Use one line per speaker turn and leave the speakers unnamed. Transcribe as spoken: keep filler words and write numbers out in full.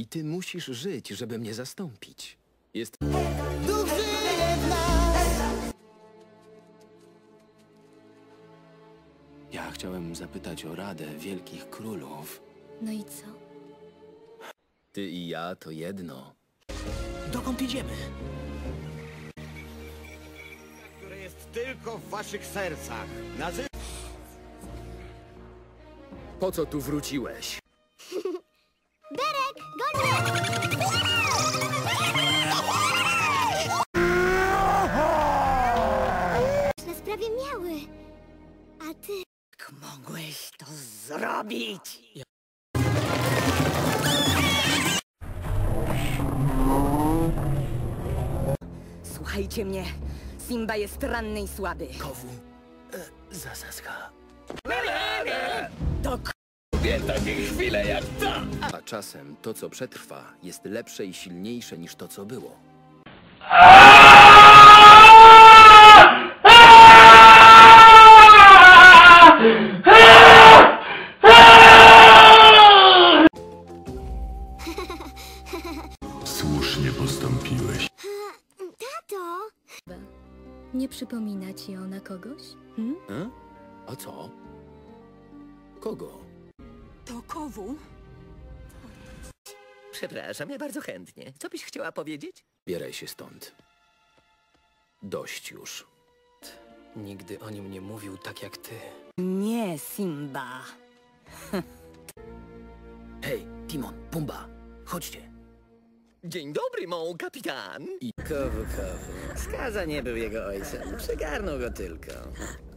I ty musisz żyć, żeby mnie zastąpić. Jest...
Duch żyje w nas.
Ja chciałem zapytać o radę wielkich królów.
No i co?
Ty i ja to jedno.
Dokąd idziemy?
Które jest tylko w waszych sercach. Nazy...
Po co tu wróciłeś?
Derek, goń na sprawie miały. A ty...
Jak mogłeś to zrobić? Słuchajcie mnie. Simba jest ranny i słaby.
Kowu. E, zasaska.
To k...
A czasem to, co przetrwa, jest lepsze i silniejsze niż to, co było.
Słusznie postąpiłeś.
Tato! Nie przypomina ci ona kogoś? Hmm?
E? A co? Kogo?
To Kowu?
Przepraszam, ja bardzo chętnie. Co byś chciała powiedzieć?
Bieraj się stąd. Dość już.
Nigdy o nim nie mówił tak jak ty.
Nie, Simba.
Hej, Timon, Pumba, chodźcie. Dzień dobry, mon kapitan.
I
Kowu, kowu. Skaza nie był jego ojcem. Przygarnął go tylko.